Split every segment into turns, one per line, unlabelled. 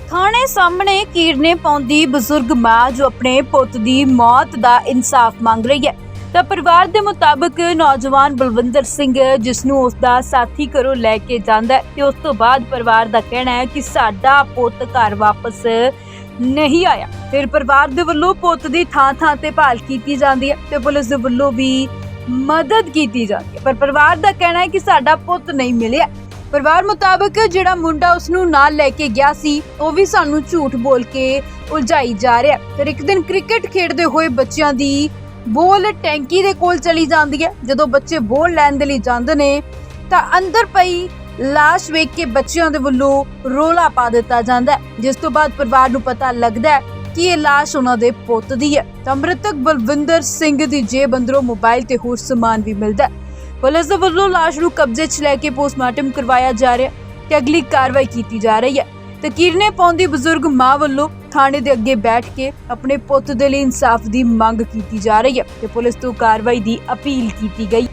थाने सामने कीरने पाउंदी बजुर्ग मां जो अपने पुत दी मौत दा इंसाफ मांग रही है। ਤਾਂ ਪਰਿਵਾਰ ਦੇ ਮੁਤਾਬਕ ਨੌਜਵਾਨ ਬਲਵਿੰਦਰ ਸਿੰਘ ਜਿਸ ਨੂੰ ਉਸ ਦਾ ਸਾਥੀ ਘਰੋਂ ਲੈ ਕੇ ਜਾਂਦਾ ਤੇ ਉਸ ਤੋਂ ਬਾਅਦ ਪਰਿਵਾਰ ਦਾ ਕਹਿਣਾ ਹੈ ਕਿ ਸਾਡਾ ਪੁੱਤ ਘਰ ਵਾਪਸ ਨਹੀਂ ਆਇਆ। ਫਿਰ ਪਰਿਵਾਰ ਦੇ ਵੱਲੋਂ ਪੁੱਤ ਦੀ ਥਾਂ ਤੇ ਭਾਲ ਕੀਤੀ ਜਾਂਦੀ ਹੈ ਤੇ ਪੁਲਿਸ ਦੇ ਵੱਲੋਂ ਵੀ ਮਦਦ ਕੀਤੀ ਜਾਂਦੀ ਹੈ, ਪਰ ਪਰਿਵਾਰ ਦਾ ਕਹਿਣਾ ਹੈ ਕਿ ਸਾਡਾ ਪੁੱਤ ਨਹੀਂ ਮਿਲਿਆ। ਪਰਿਵਾਰ ਮੁਤਾਬਕ ਜਿਹੜਾ ਮੁੰਡਾ ਉਸ ਨੂੰ ਨਾਲ ਲੈ ਕੇ ਗਿਆ ਸੀ ਉਹ ਵੀ ਸਾਨੂੰ ਝੂਠ ਬੋਲ ਕੇ ਉਲਝਾਈ ਜਾ ਰਿਹਾ। ਫਿਰ ਇੱਕ ਦਿਨ ਕ੍ਰਿਕਟ ਖੇਡਦੇ ਹੋਏ ਬੱਚਿਆਂ ਦੀ ਬੋਲ ਟੈਂਕੀ ਦੇ ਕੋਲ ਚਲੀ ਜਾਂਦੀ ਹੈ। ਜਦੋਂ ਬੱਚੇ ਬੋਲ ਲੈਣ ਦੇ ਲਈ ਜਾਂਦੇ ਨੇ ਤਾਂ ਅੰਦਰ ਪਈ ਲਾਸ਼ ਵੇਖ ਕੇ ਬੱਚਿਆਂ ਦੇ ਵੱਲੋਂ ਰੋਲਾ ਪਾ ਦਿੱਤਾ ਜਾਂਦਾ ਹੈ, ਜਿਸ ਤੋਂ ਬਾਅਦ ਪਰਿਵਾਰ ਨੂੰ ਪਤਾ ਲੱਗਦਾ ਹੈ ਕਿ ਇਹ ਲਾਸ਼ ਉਹਨਾਂ ਦੇ ਪੁੱਤ ਦੀ ਹੈ। ਤਾਂ ਮ੍ਰਿਤਕ ਬਲਵਿੰਦਰ ਸਿੰਘ ਦੀ ਜੇਬ ਅੰਦਰੋਂ ਮੋਬਾਈਲ ਤੇ ਹੋਰ ਸਮਾਨ ਵੀ ਮਿਲਦਾ ਹੈ। ਪੁਲਿਸ ਦੇ ਵੱਲੋਂ ਲਾਸ਼ ਨੂੰ ਕਬਜ਼ੇ 'ਚ ਲੈ ਕੇ ਪੋਸਟਮਾਰਟਮ ਕਰਵਾਇਆ ਜਾ ਰਿਹਾ ਤੇ ਅਗਲੀ ਕਾਰਵਾਈ ਕੀਤੀ ਜਾ ਰਹੀ ਹੈ। ਤੇ ਕੀਰਨੇ ਪਾਉਂਦੀ ਬਜ਼ੁਰਗ ਮਾਂ ਵੱਲੋਂ ਥਾਣੇ ਦੇ ਅੱਗੇ ਬੈਠ ਕੇ ਆਪਣੇ ਪੁੱਤ ਦੇ ਲਈ ਇਨਸਾਫ ਦੀ ਮੰਗ ਕੀਤੀ ਜਾ ਰਹੀ ਹੈ ਤੇ ਪੁਲਿਸ ਤੋਂ ਕਾਰਵਾਈ ਦੀ ਅਪੀਲ ਕੀਤੀ ਗਈ।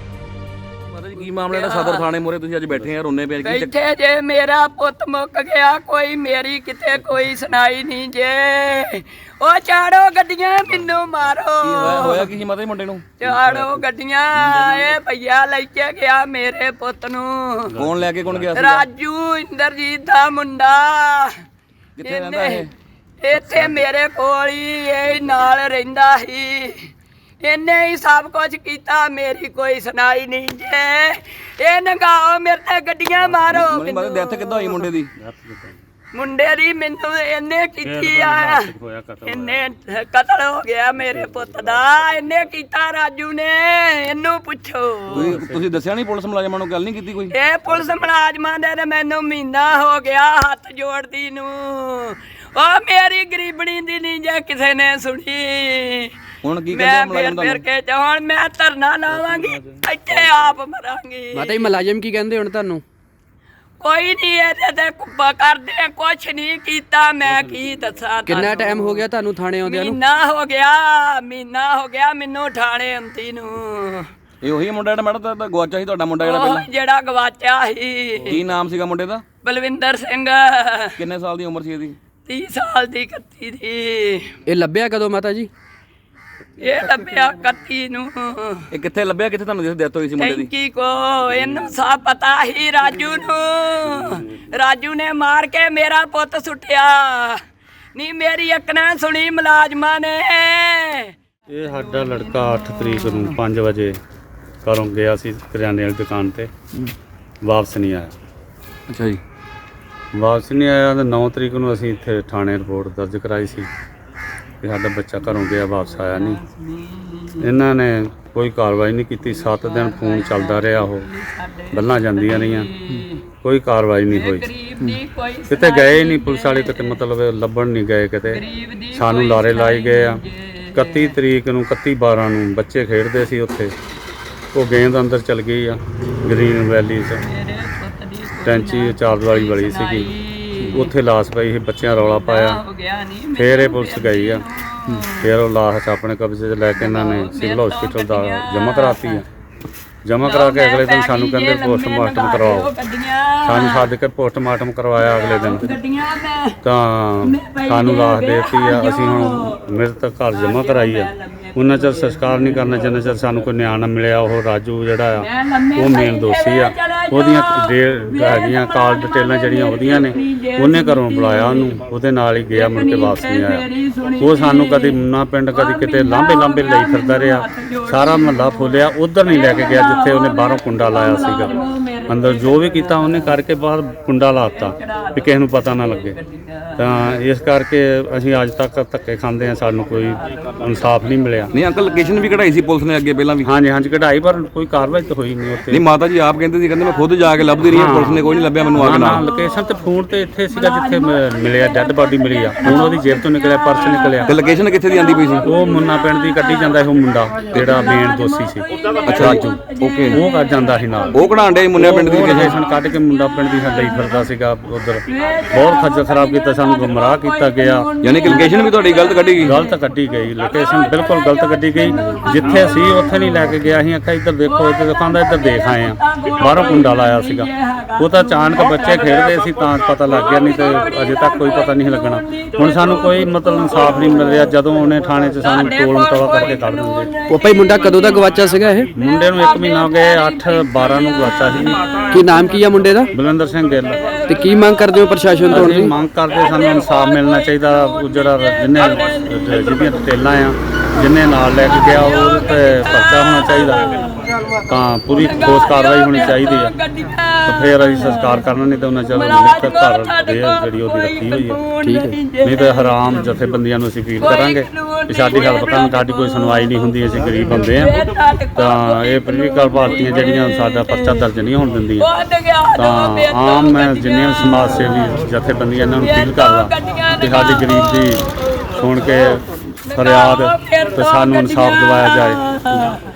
ਕੀ ਮਾਮਲਾ ਜਿਹੜਾ ਸਦਰ ਥਾਣੇ ਮੋਰੇ ਤੁਸੀਂ ਅੱਜ ਬੈਠੇ ਆ ਰੋਨੇ ਪਏ ਕੀ
ਬੈਠੇ ਜੇ ਮੇਰਾ ਪੁੱਤ ਮੁੱਕ ਗਿਆ, ਕੋਈ ਮੇਰੀ ਕਿਤੇ ਕੋਈ ਸੁਣਾਈ ਨਹੀਂ ਜੇ। ਉਹ ਚਾੜੋ ਗੱਡੀਆਂ ਮੈਨੂੰ ਮਾਰੋ।
ਕੀ ਹੋਇਆ ਕੀ ਸੀ ਮਾਤਾ ਜੀ ਮੁੰਡੇ ਨੂੰ?
ਚਾੜੋ ਗੱਡੀਆਂ, ਇਹ ਭਈਆ ਲੈ ਕੇ ਗਿਆ ਮੇਰੇ ਪੁੱਤ ਨੂੰ।
ਕੌਣ ਲੈ ਕੇ ਕੌਣ ਗਿਆ ਸੀ?
ਰਾਜੂ ਇੰਦਰਜੀਤ ਦਾ ਮੁੰਡਾ।
ਕਿੱਥੇ ਰਹਿੰਦਾ ਇਹ?
ਇੱਥੇ ਮੇਰੇ ਕੋਲ ਹੀ ਇਹ ਨਾਲ ਰਹਿੰਦਾ ਸੀ। ਇਹਨੇ ਹੀ ਸਭ ਕੁਝ ਕੀਤਾ, ਮੇਰੀ ਕੋਈ ਸੁਣਾਈ ਨਹੀਂ ਜੇ। ਇਹ ਨਗਾਓ ਮੇਰੇ ਤੇ ਗੱਡੀਆਂ ਮਾਰੋ।
ਡੈਥ ਕਿੱਦਾਂ ਹੋਈ ਮੁੰਡੇ ਦੀ?
ਮੁੰਡੇ ਦੀ ਮੈਨੂੰ ਇਹਨੇ ਕੀਤੀ ਆ, ਇਹਨੇ ਕਤਲ ਹੋ ਗਿਆ ਮੇਰੇ ਪੁੱਤ ਦਾ। ਇਹਨੇ ਕੀਤਾ ਰਾਜੂ ਨੇ, ਇਹਨੂੰ ਪੁੱਛੋ।
ਤੁਸੀਂ ਦੱਸਿਆ ਨਹੀਂ ਪੁਲਿਸ ਮੁਲਾਜ਼ਮਾਂ ਨੂੰ? ਗੱਲ ਨਹੀਂ ਕੀਤੀ ਕੋਈ?
ਇਹ ਪੁਲਿਸ ਮੁਲਾਜ਼ਮਾਂ ਦੇ ਮੈਨੂੰ ਮਹੀਨਾ ਹੋ ਗਿਆ ਹੱਥ ਜੋੜਦੀ ਨੂੰ। ਉਹ ਮੇਰੀ ਗਰੀਬਣੀ ਦੀ ਨਹੀਂ ਜੇ ਕਿਸੇ ਨੇ ਸੁਣੀ।
ਹੁਣ ਕੀ ਕਹਿੰਦੇ ਮੁਲਾਜ਼ਮ
ਫਿਰ ਕੇ ਹੁਣ ਮੈਂ ਧਰਨਾ ਲਾਵਾਂਗੀ, ਇੱਥੇ ਆਪ ਮਰਾਂਗੀ।
ਮਾਤਾ ਜੀ ਮੁਲਾਜ਼ਮ ਕੀ ਕਹਿੰਦੇ ਹੁਣ ਤੁਹਾਨੂੰ?
ਕੋਈ ਨਹੀਂ ਇਹਦੇ ਤੇ ਕੁੱਬਾ ਕਰਦੇ, ਕੁਛ ਨਹੀਂ ਕੀਤਾ। ਮੈਂ ਕੀ ਦੱਸਾਂ?
ਕਿੰਨਾ ਟਾਈਮ ਹੋ ਗਿਆ ਤੁਹਾਨੂੰ ਥਾਣੇ ਆਉਂਦਿਆਂ ਨੂੰ?
ਮਹੀਨਾ ਹੋ ਗਿਆ ਮੈਨੂੰ ਥਾਣੇ ਆਉਂਦੀ ਨੂੰ।
ਇਹ ਉਹੀ ਮੁੰਡਾ ਜਿਹੜਾ ਮੈਡਮ ਦਾ ਗਵਾਚਾ ਸੀ ਤੁਹਾਡਾ ਮੁੰਡਾ ਜਿਹੜਾ ਪਹਿਲਾਂ?
ਜਿਹੜਾ ਗਵਾਚਾ ਸੀ।
ਕੀ ਨਾਮ ਸੀਗਾ ਮੁੰਡੇ ਦਾ?
ਬਲਵਿੰਦਰ ਸਿੰਘ।
ਕਿੰਨੇ ਸਾਲ ਦੀ ਉਮਰ ਸੀ ਇਹਦੀ?
30 ਸਾਲ ਦੀ, 31 ਦੀ।
ਇਹ ਲੱਭਿਆ ਕਦੋਂ ਮਾਤਾ ਜੀ?
ਇਹ ਲੱਭਿਆ 31 ਨੂੰ।
ਇਹ ਕਿੱਥੇ ਲੱਭਿਆ? ਕਿੱਥੇ ਤੁਹਾਨੂੰ ਜਿਸ ਡੈਥ ਹੋਈ ਸੀ ਮੁੰਡੇ ਦੀ?
ਟੈਂਕੀ ਕੋ। ਇਹਨੂੰ ਸਭ ਪਤਾ ਹੀ ਰਾਜੂ ਨੂੰ। ਰਾਜੂ ਨੇ ਮਾਰ ਕੇ ਮੇਰਾ ਪੁੱਤ ਸੁੱਟਿਆ। ਨਹੀਂ ਮੇਰੀ ਅੱਖ ਨਾ ਸੁਣੀ ਮੁਲਾਜ਼ਮਾਂ ਨੇ।
ਇਹ ਸਾਡਾ ਲੜਕਾ 8 ਤਰੀਕ ਨੂੰ 5 ਵਜੇ ਘਰੋਂ ਗਿਆ ਸੀ ਕਰਿਆਨੇ ਵਾਲੀ ਦੁਕਾਨ ਤੇ, ਵਾਪਸ ਨਹੀਂ ਆਇਆ।
ਅੱਛਾ ਜੀ।
ਵਾਪਸ ਨਹੀਂ ਆਇਆ ਤਾਂ 9 ਤਰੀਕ ਨੂੰ ਅਸੀਂ ਇੱਥੇ ਥਾਣੇ ਰਿਪੋਰਟ ਦਰਜ ਕਰਾਈ ਸੀ ਕਿ ਸਾਡਾ ਬੱਚਾ ਘਰੋਂ ਗਿਆ, ਵਾਪਸ ਆਇਆ ਨਹੀਂ। ਇਹਨਾਂ ਨੇ ਕੋਈ ਕਾਰਵਾਈ ਨਹੀਂ ਕੀਤੀ। 7 ਦਿਨ ਫੋਨ ਚੱਲਦਾ ਰਿਹਾ, ਉਹ ਬੱਲਾਂ ਜਾਂਦੀਆਂ ਰਹੀਆਂ, ਕੋਈ ਕਾਰਵਾਈ ਨਹੀਂ ਹੋਈ। ਕਿਤੇ ਗਏ ਨਹੀਂ ਪੁਲਿਸ ਵਾਲੇ, ਕਿਤੇ ਮਤਲਬ ਲੱਭਣ ਨਹੀਂ ਗਏ ਕਿਤੇ। ਸਾਨੂੰ ਲਾਰੇ ਲਾਏ ਗਏ ਆ। 31 ਤਰੀਕ ਨੂੰ 31/12 ਨੂੰ ਬੱਚੇ ਖੇਡਦੇ ਸੀ ਉੱਥੇ, ਉਹ ਗੇਂਦ ਅੰਦਰ ਚਲ ਗਈ ਆ ਗ੍ਰੀਨ ਵੈਲੀ 'ਚ। ਟੈਂਚੀ ਚਾਰਜ ਵਾਲੀ ਬੜੀ ਸੀਗੀ, ਉੱਥੇ ਲਾਸ਼ ਪਈ ਸੀ। ਬੱਚਿਆਂ ਰੌਲਾ ਪਾਇਆ, ਫਿਰ ਇਹ ਪੁਲਿਸ ਗਈ ਆ। ਫਿਰ ਉਹ ਲਾਸ਼ ਆਪਣੇ ਕਬਜ਼ੇ 'ਚ ਲੈ ਕੇ ਇਹਨਾਂ ਨੇ ਸਿਵਲ ਹਸਪੀਟਲ ਦਾ ਜਮ੍ਹਾਂ ਕਰਾਤੀ ਆ। ਜਮ੍ਹਾਂ ਕਰਾ ਕੇ ਅਗਲੇ ਦਿਨ ਸਾਨੂੰ ਕਹਿੰਦੇ ਪੋਸਟਮਾਰਟਮ ਕਰਵਾਓ। ਸਾਨੂੰ ਸੱਦ ਕੇ ਪੋਸਟਮਾਰਟਮ ਕਰਵਾਇਆ ਅਗਲੇ ਦਿਨ, ਤਾਂ ਸਾਨੂੰ ਲਾਸ਼ ਦੇ ਦਿੱਤੀ ਆ। ਅਸੀਂ ਹੁਣ ਮ੍ਰਿਤਕ ਘਰ ਜਮ੍ਹਾਂ ਕਰਾਈ ਆ। ਉਹਨਾਂ ਚਿਰ ਸੰਸਕਾਰ ਨਹੀਂ ਕਰਨਾ ਜਿੰਨਾ ਚਿਰ ਸਾਨੂੰ ਕੋਈ ਨਿਆਂ ਨਾ ਮਿਲਿਆ। ਉਹ ਰਾਜੂ ਜਿਹੜਾ ਆ ਉਹ ਮੇਨ ਦੋਸ਼ੀ ਆ। ਉਹਦੀਆਂ ਹੈਗੀਆਂ ਕਾਲ ਡਿਟੇਲਾਂ ਜਿਹੜੀਆਂ ਉਹਦੀਆਂ ਨੇ, ਉਹਨੇ ਘਰੋਂ ਬੁਲਾਇਆ ਉਹਨੂੰ, ਉਹਦੇ ਨਾਲ ਹੀ ਗਿਆ, ਮੁੜ ਕੇ ਵਾਪਸ ਨਹੀਂ ਆਇਆ। ਉਹ ਸਾਨੂੰ ਕਦੀ ਮੁੰਨਾ ਪਿੰਡ ਕਦੀ ਕਿਤੇ ਲਾਂਭੇ ਲਈ ਫਿਰਦਾ ਰਿਹਾ। ਸਾਰਾ ਮਹੱਲਾ ਫੋਲਿਆ, ਉਧਰ ਨਹੀਂ ਲੈ ਕੇ ਗਿਆ ਜਿੱਥੇ ਉਹਨੇ ਬਾਹਰੋਂ ਕੁੰਡਾ ਲਾਇਆ ਸੀਗਾ। ਅੰਦਰ ਜੋ ਵੀ ਕੀਤਾ ਉਹਨੇ ਕਰਕੇ ਬਾਹਰ ਕੁੰਡਾ ਲਾਤਾ ਵੀ ਕਿਸੇ ਨੂੰ ਪਤਾ ਨਾ ਲੱਗੇ। ਤਾਂ ਇਸ ਕਰਕੇ ਅਸੀਂ ਅੱਜ ਤੱਕ ਧੱਕੇ ਖਾਂਦੇ ਹਾਂ, ਸਾਨੂੰ ਕੋਈ ਇਨਸਾਫ ਨਹੀਂ ਮਿਲਿਆ।
ਨਹੀਂ ਅੰਕਲ, ਲੋਕੇਸ਼ਨ ਵੀ ਕਢਾਈ ਸੀ ਪੁਲਿਸ ਨੇ ਅੱਗੇ ਪਹਿਲਾਂ ਵੀ?
ਹਾਂਜੀ ਕਢਾਈ, ਪਰ ਕੋਈ ਕਾਰਵਾਈ ਤਾਂ ਹੋਈ ਨਹੀਂ ਉੱਥੇ।
ਨਹੀਂ ਮਾਤਾ ਜੀ ਆਪ ਕਹਿੰਦੇ ਸੀ, ਕਹਿੰਦੇ ਮੈਂ ਖੁਦ ਜਾ ਕੇ ਲੱਭਦੀ ਰਹੀ, ਪੁਲਿਸ ਨੇ ਕੋਈ ਨਹੀਂ ਲੱਭਿਆ ਮੈਨੂੰ ਆ ਕੇ ਨਾਲ।
ਲੋਕੇਸ਼ਨ ਤੇ ਫੋਨ ਤੇ ਇੱਥੇ ਸੀਗਾ ਜਿੱਥੇ ਮਿਲਿਆ, ਡੈੱਡ ਬਾਡੀ ਮਿਲੀ ਆ। ਹੁਣ ਉਹਦੀ ਜੇਬ ਤੋਂ ਨਿਕਲਿਆ, ਪਰਸ ਨਿਕਲਿਆ।
ਤੇ ਲੋਕੇਸ਼ਨ ਕਿੱਥੇ ਦੀ ਆਂਦੀ ਪਈ ਸੀ?
ਉਹ ਮੁੰਨਾ ਪਿੰਡ ਦੀ ਕੱਢੀ ਜਾਂਦਾ ਸੀ, ਉਹ ਮੁੰਡਾ ਜਿਹੜਾ ਮੇਨ ਦੋਸ਼ੀ ਸੀ।
ਅੱਛਾ ਰਾਜੂ। ਓਕੇ,
ਉਹ ਕਰ ਜਾਂਦਾ ਸੀ ਨਾਲ।
ਉਹ ਕਢਾਣ ਡੇ ਮੁੰਨੇ ਪਿੰਡ ਪਿੰਡ ਦੀ
ਉਹ
ਲੋਕੇਸ਼ਨ
ਲੋਕੇਸ਼ਨ ਕੱਢ ਕੇ ਮੁੰਡਾ ਪਿੰਡ ਦੀ ਲਈ ਫਿਰਦਾ ਸੀਗਾ ਉਧਰ ਬਹੁਤ ਖੱਜਲ ਖਰਾਬ ਕੀਤਾ, ਸਾਨੂੰ ਗੁੰਮਰਾਹ ਕੀਤਾ ਗਿਆ।
ਯਾਨੀ ਕਿ ਲੋਕੇਸ਼ਨ ਵੀ ਤੁਹਾਡੀ ਗਲਤ ਕੱਢੀ ਗਈ।
ਗਲਤ ਕੱਢੀ ਗਈ, ਲੋਕੇਸ਼ਨ ਬਿਲਕੁਲ ਗਲਤ ਕੱਢੀ ਗਈ। ਜਿੱਥੇ ਸੀ ਉੱਥੇ ਨਹੀਂ ਲੈ ਕੇ ਗਿਆ। ਅਸੀਂ ਆਖਿਆ ਇੱਧਰ ਦੇਖੋ, ਇੱਧਰ ਦਿਖਾਉਂਦਾ, ਇੱਧਰ ਦੇਖ ਆਏ ਆ। ਬਾਹਰੋਂ ਕੁੰਡਾ ਲਾਇਆ ਸੀਗਾ, ਉਹ ਤਾਂ ਅਚਾਨਕ ਬੱਚੇ ਖੇਡਦੇ ਸੀ ਤਾਂ ਪਤਾ ਲੱਗ ਗਿਆ, ਨਹੀਂ ਤੇ ਅਜੇ ਤੱਕ ਕੋਈ ਪਤਾ ਨਹੀਂ ਲੱਗਣਾ। ਹੁਣ ਸਾਨੂੰ ਕੋਈ ਮਤਲਬ ਇਨਸਾਫ ਨਹੀਂ ਮਿਲ ਰਿਹਾ। ਜਦੋਂ ਉਹਨੇ ਥਾਣੇ 'ਚ ਸਾਨੂੰ ਟੋਲ ਮਟੋਲਾ ਕਰਕੇ ਕੱਢ ਦਿੰਦੇ।
ਉਹ ਭਾਈ ਮੁੰਡਾ ਕਦੋਂ ਦਾ ਗਵਾਚਾ ਸੀਗਾ ਇਹ?
ਮੁੰਡੇ ਨੂੰ 1 ਮਹੀਨਾ ਹੋ ਗਿਆ, 8/12 ਨੂੰ ਗਵਾਚਾ ਸੀ।
ਕੀ ਨਾਮ ਕੀ ਆ ਮੁੰਡੇ ਦਾ?
ਬਲਵਿੰਦਰ ਸਿੰਘ ਗਿੱਲ।
ਤੇ ਕੀ ਮੰਗ ਕਰਦੇ ਹੋ ਪ੍ਰਸ਼ਾਸਨ ਤੋਂ?
ਅਸੀਂ ਮੰਗ ਕਰਦੇ, ਸਾਨੂੰ ਇਨਸਾਫ ਮਿਲਣਾ ਚਾਹੀਦਾ। ਉਹ ਜਿਹੜਾ ਜਿਹਦੀਆਂ ਡਿਟੇਲਾਂ ਆ, ਜਿਹਨੇ ਨਾਲ ਲੈ ਕੇ ਗਿਆ, ਉਹਦੇ ਤੇ ਪਰਚਾ ਹੋਣਾ ਚਾਹੀਦਾ, ਤਾਂ ਪੂਰੀ ਠੋਸ ਕਾਰਵਾਈ ਹੋਣੀ ਚਾਹੀਦੀ ਆ। ਤੇ ਫਿਰ ਅਸੀਂ ਸੰਸਕਾਰ ਕਰਨਾ, ਨਹੀਂ ਤਾਂ ਉਹਨਾਂ ਚਿਰ ਲਿਖ ਘਰ ਦੇ ਜਿਹੜੀ ਉਹਦੀ ਰੱਖੀ ਹੋਈ ਹੈ।
ਠੀਕ ਹੈ।
ਨਹੀਂ ਤਾਂ ਹਰਾਮ ਜਥੇਬੰਦੀਆਂ ਨੂੰ ਅਸੀਂ ਅਪੀਲ ਕਰਾਂਗੇ ਕਿ ਸਾਡੀ ਹੈਲਪ ਕਰਨ। ਸਾਡੀ ਕੋਈ ਸੁਣਵਾਈ ਨਹੀਂ ਹੁੰਦੀ, ਅਸੀਂ ਗਰੀਬ ਬੰਦੇ ਆ। ਤਾਂ ਇਹ ਪੋਲੀਟੀਕਲ ਪਾਰਟੀਆਂ ਜਿਹੜੀਆਂ ਸਾਡਾ ਪਰਚਾ ਦਰਜ ਨਹੀਂ ਹੋਣ ਦਿੰਦੀਆਂ, ਤਾਂ ਆਮ ਮੈਂ ਜਿੰਨੀਆਂ ਸਮਾਜ ਸੇਵੀ ਜਥੇਬੰਦੀਆਂ ਇਹਨਾਂ ਨੂੰ ਅਪੀਲ ਕਰਦਾ ਕਿ ਸਾਡੀ ਗਰੀਬ ਦੀ ਸੁਣ ਕੇ ਫਰਿਆਦ ਤੇ ਸਾਨੂੰ ਇਨਸਾਫ ਦਿਵਾਇਆ ਜਾਏ।